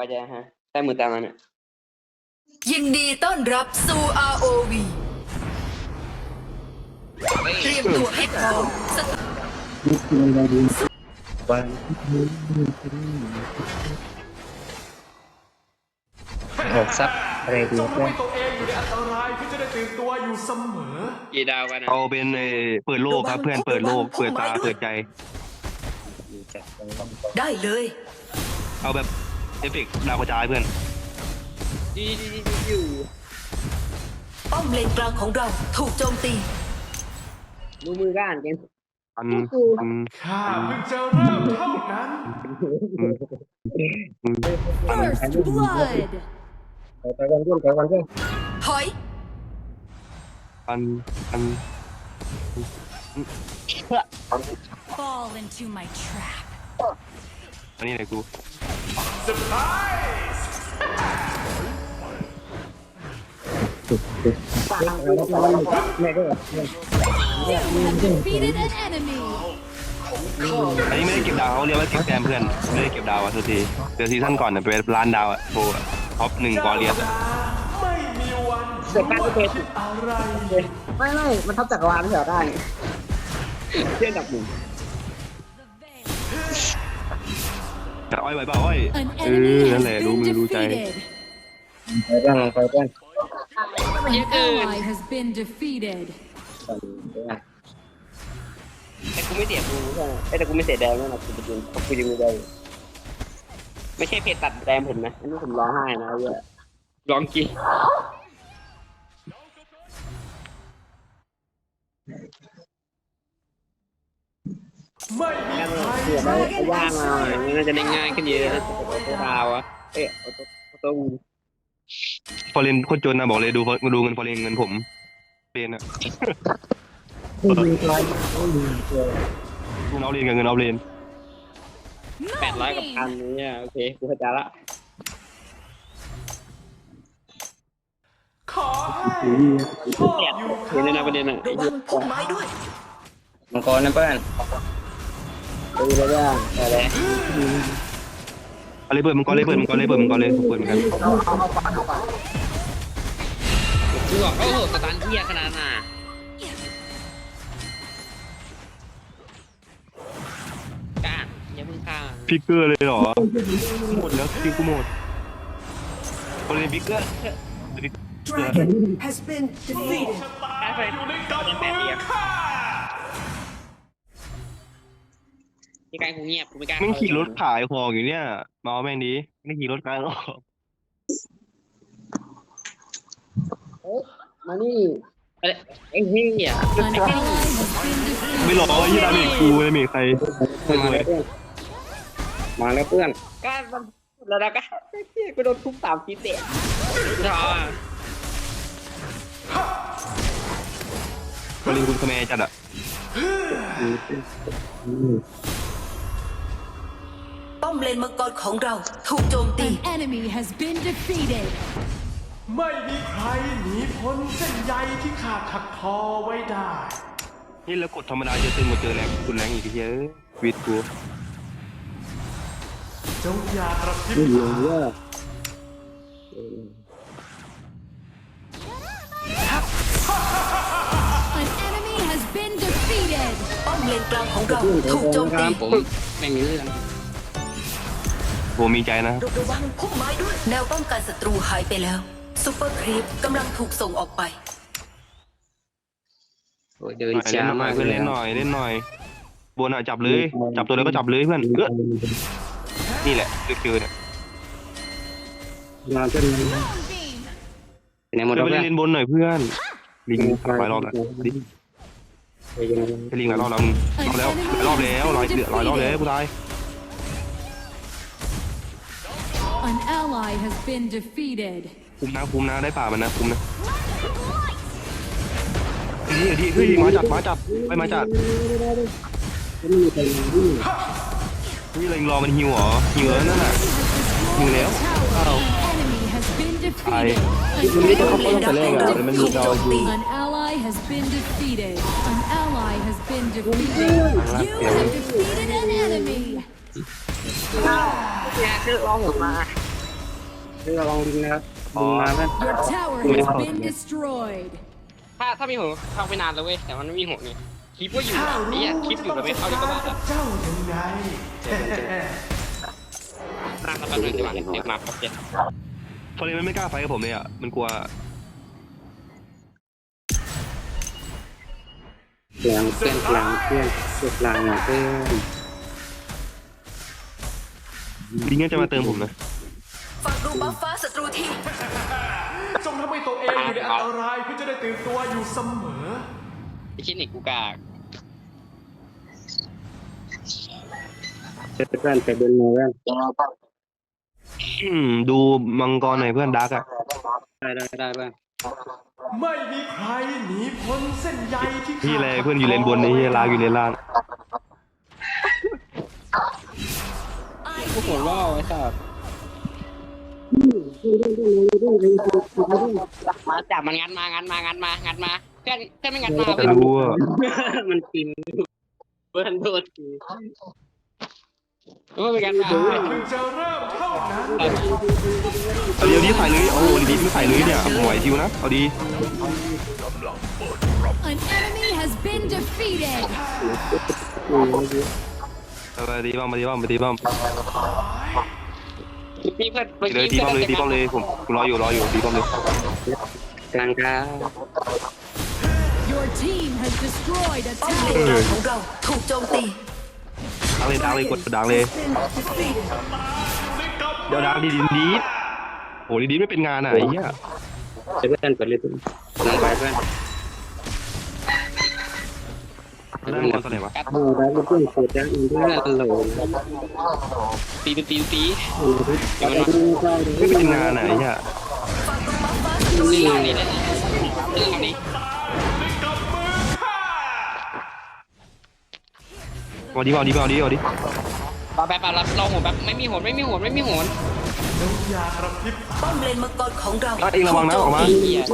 ว่าจะฮะแต่มือตามมันอ่ะยินดีต้อนรับสู่ ROV เตรียมตัวให้พร้อมสถานหกซับอะไรดีจงเพื่อนให้ตัวเองอยู่ในอันตรายที่จะได้ตื่นตัวอยู่เสมอกี่ดาวกันนะเอาเป็นเปิดโลกครับเพื่อนเปิดโลกเปิดตาเปิดใจได้เลยเอาแบบเอฟเฟกต์ดาวกระจายเพื่อนดีอยู่ป้อมเลนกลางของเราถูกโจมตีดูมือก้านเกมอันข้าเพิ่งจะเริ่มเท่านั้น First blood. ไปกันเพื่อนไปกันเพื่อนถอยอัน Fall into my trap. อันนี้ไหนกู Surprise ไม่ได้ You have defeated an enemy. อันนี้ไม่ได้เก็บดาวเขาเรียกว่าเก็บแต้มเพื่อนไม่ได้เก็บดาวอ่ะทุกทีเดี๋ยวซีซั่นก่อนเนี่ยไปล้านดาวอ่ะโทรท็อป1กอเรียสไม่มีวันเกิดการก็เป็นอะไรไม่มันทับจักรวาลไม่เหรอได้เชื่อกับหนึ่งแต่อ้อยไหวเปล่าอ้อย An นั่น enemy แหละ has รู้ been มือรู้ใจ defeated. ไปเพื่อนไปเพื่อน An ally has been defeated. แต่กูไม่เสียกูใช่ไหมแต่กูไม่เสียแดงนั่นแหละกูจะยิงกูยิงไม่ได้ไม่ใช่เพจตัดแดงผมนะอันนี้ผมร้องไห้นะเยอะร้องกี่ไม่มีแค่ใครเสือได้ย่างมาอย่างนี้น่าจะได้ง่ายขึ้นเยอะนะตัวดาวอะเอาตัวฟอเรนโคตรจนนะบอกเลยดูเงินฟอเรนเงินผมเป็นอ่ะผู้ยิงไกลผู้ยิงเกลียวเงินเอาเรนกับเงินเอาเรน 800 กับ 1,000นี่โอเคกูเข้าใจละขอให้ชอบอยู่เห็นเลยนะประเด็นอ่ะระวังพุ่มไม้ด้วยมังกรนะเพื่อนดูแล้วย่างอะไรอะไรเปิดมังกรเลยเปิดมังกรเลยเปิดมังกรเลยเปิดเหมือนกันคือบอกโอ้โหสตันเทียขนาดน่ะก้านอย่ามึงฆ่าพิกเกอร์เลยเหรอหมดแล้วคิวกูหมดฟอเรนพิกเกอร์ Dragon has been defeated ได้ไปอยู่ในกำมือข้าที่การกูเงียบกูไม่กล้ามึงขี่รถขายของอยู่เนี่ยมาเอาแม่งดีไม่ขี่รถขายหรอกมานี่ไอ้เหี้ย An ally has been defeated. ไม่หรอกยี่ดาเมจกูเลยมีใครมาเลยมาแล้วเพื่อนก้านมันแล้วนะก้านกูโดนทุบ3 ทีเตะท้อฟอเรนคุณคาแมจัดอ่ะป้อมเลนมังกรของเราถูกโจมตี An enemy has been defeated. ไม่มีใครหนีพ้นเส้นใยที่ข้าถักทอไว้ได้นี่แล้วกดธรรมดาจะตึงกว่าเจอแรงคุณแรงอีกทีเฮ้ยวิดกูจงอย่ากระพริบผู้ยิงเยอะ An enemy has been defeated. ป้อมเลนกลางของเราถูกโจมตีผมไม่มีเรื่องโหมีใจนะระวังพุ่มไม้ด้วย แนวป้องกันศัตรูหายไปแล้วซูเปอร์ครีปกำลังถูกส่งออกไปโอ้ยเดินเล่นช้าหน่มาอยกเพื่อนเลเล่ยนหน่อยเล่นหน่อยบนอ่ะจับเลยจับตัวแล้วก็จับเลยเพื่อนนี่แหละคือเนี่ยมาเพื่อน Moonbeam. ไหนหมดเพื่แล้อนวไปเพื่อนเล่นบนหน่อยเพื่อนลิงหลายรอบแล้วลิงไปยังไปลิงหลายรอบแล้วมึงรอบแล้วหลายรอบแล้วกูตาย An ally has been defeated. คุมนะได้ป่ามันนะคุมนะดีเฮ้ยมาจัดไปมาจัดไม่มีใครมาที่นี่เลยรอมันฮิวเหรอฮิวแล้วนั่นน่ะฮิวแล้ว Tower. An enemy has been defeated. มันไม่ต้องเข้าป้องแต่แรกอ่ะมันมีดาวฮิว An ally has been defeated. An ally has been defeated. You have defeated an enemy. เนี่ยคือร้องออกมาระวังลิงนะครับลิงมาเพื่อน Your tower has been destroyed. ถ้ามีหัวเข้าไปนานแล้วเว้ยแต่มันไม่มีหัวนี่คลิปก็อยู่อ่ะนี่คลิปอยู่แต่ไม่เข้าดีกว่ากับเจ้ายังไงนั่งแล้วแป๊บนึงดีกว่าเดี๋ยวมาครับเจ๊ฟอร์เรนมันไม่กล้าไฟกับผมเลยอ่ะมันกลัวกลางเพื่อนกลางเพื่อนกลางเพื่อนลิงก็จะมาเติมผมนะฝากดูบัฟฟ้าศัตรูทีจงทำให้ตัวเองอยู่ในอันตรายเพื่อจะได้ตื่นตัวอยู่เสมอไอ้คิดนี่กูกากเพื่อนไปเดินมาเพื่อนดูมังกรหน่อยเพื่อนดักอ่ะได้เพื่อนไม่มีใครหนีพ้นเส้นใยที่พี่อะไรเพื่อนอยู่เลนบนนี่ลากอยู่เลนล่างกูหัวล่อไอ้สัสมาจับมันงัดมาเพื่อนไม่งัดมาจะรู้ว่ามันกินเพื่อนโดนทีเพื่อนไม่งัดมามันจะเริ่มเท่านั้นเอาเดี๋ยวนี้ใส่เลยโอ้โหดีไม่ใส่เลยเนี่ยไหวทิวนะเอาดี An enemy has been defeated. มาดีบ้างมาดีบ้างพี่เพื่อนเลยตีป้อมเลยผมรออยู่ตีป้อมเลยกลางครับ Your team has destroyed a ป้อมเล tower. นกลางของเราถูกโจมตีดังเลยกดดังเลยเดี๋ยวดังดีโอ้ดีไม่เป็นงานอ่ะไอ้เหี้ยเพื่อนเปิดเลยลงไปเพื่อนนั่งก่อนตอนไหนวะโอ้ได้เพื่อนเปิดยังอีกด้วยโหลตีไม่เป็นงานอ่ะไอ้เหี้ยนี่นี่เลยนี่ทำนี้เอาดีปะรับรอหัวแบบไม่มีหัวแล้วอย่ากระพริบป้อมเลนมังกรของเราเองระวังนะออกมา An enemy has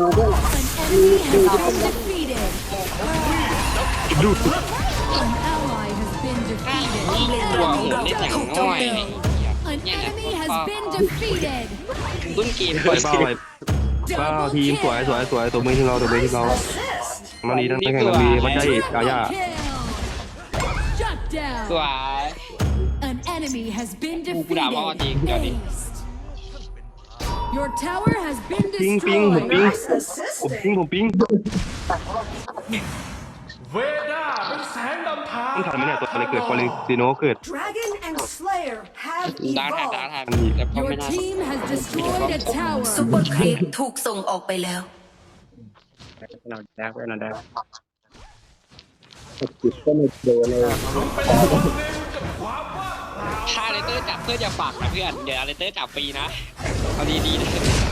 been defeated. ดู An ally has been defeated. หัวหัวเล่นอย่างน้อย An enemy has been defeated. รุ่นเกมปล่อยเป้าไปเป้าทีมสวยตัวมือที่เรามาดีทั้งแข่งกันดีเขาใจกายา Shut down. สวย An enemy has been กูด่าว่าจริง defeated. เดี๋ยวดิ Your tower has been ปิ้งผม destroyed. ปิ้งเวด้าเป็นแสงนำทางต้องทันไหมเนี่ยตัวอะไรเกิดฟอร์เรนติโนเกิด Dragon and Slayer have ดาว evolved. แทนแต่พอ Your ไม่ได้ team has destroyed a ซุป tower. เปอร์ครีปถูกส่งออกไปแล้วเราได้เพื่อนเราได้จิตก็ไม่โดนเลยถ้าเลเตอร์จับเพื่อนจะฝากนะเพื่อนเดี๋ยวเลเตอร์จับฟรีนะเอาดีๆนะ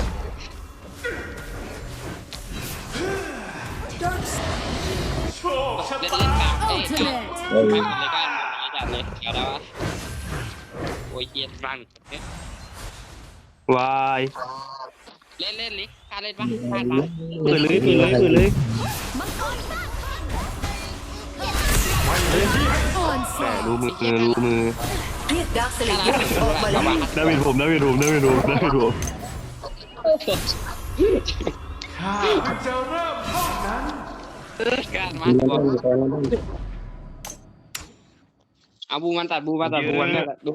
โชคชะเล่นตากลางเอ้ย Ultimate. ไปหมดเลยกันจัดเลยเอาแล้ววะโอ้ยเกียร์รันวายเล่นลิการเล่นปะพลาดปะเปิดเลย แต่ Onslaught. รู้มือเรียกดาร์คสเลเยอร์ออกมาแล้วได้เป็นผมข้ามันจะเริ่มเท่านั้นการมาเราต้องเอาบูมันตัดบูมันดู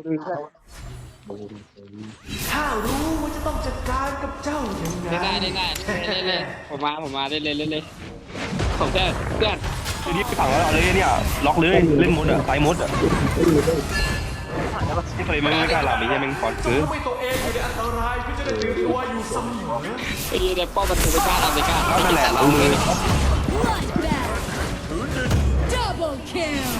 ข้ารู้ว่าจะต้องจัดการกับเจ้ายังไงได้ผมมาเล่นผมเพื่อนทีนี้ฝั่งแล้วเอาเลยเนี่ยล็อกเลยเล่นมดอ่ะไฟมดอ่ะที่เคยไม่กล้าหลับไอ้เหี้ยแม่งก่อนจงซื้อทำให้ตัวเองอยู่ในอันตรายเพื่อจะได้ตื่นตัวอยู่เสมอไอ้เด็กป้อมันถูกไปกล้าทำไปกล้าแล้วนั่นแหละรู้มือ Bloodbath. Double kill.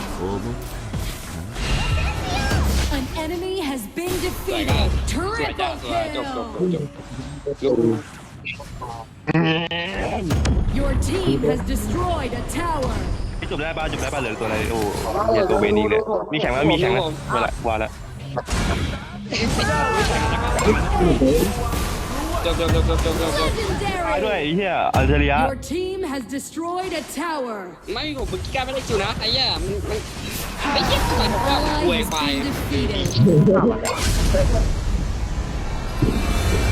An enemy has been สวยกัน defeated. สวยจ้า Triple สวยจบ kill. Your team has destroyed a tower. จบได้ป่ะเหลือตัวอะไรโอ้เหี้ยตัวเวนี่เลยมีแข่งแล้วว่าละจบตายด้วย Legendary. ไอ้เหี้ยอัลเทเรีย Your team has destroyed a tower. ไม่ผมเมื่อกี้การไม่ได้คิวนะไอ้เหี้ยมันไอ้เหี้ยทำไมผมว่า Ally ป่วย has ไป been defeated.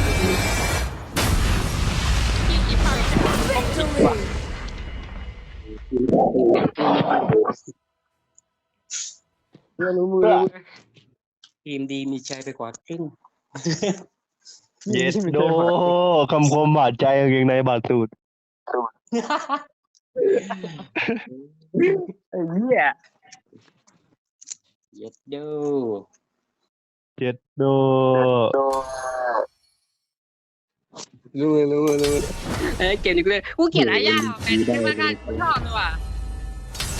รู้มือทีมดีมีใจไปกว่าครึ่งเย็ดโดคำคมบาดใจกางเกงในบาดสูดไอ้เหี้ยเย็ดดูเย็ดโดรู้เอ้ยเกมนี้กูเลยกูเกลียดอายาเป็นที่มาการกูชอบเลยว่ะ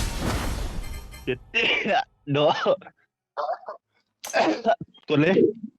เย็ดโดกดเลย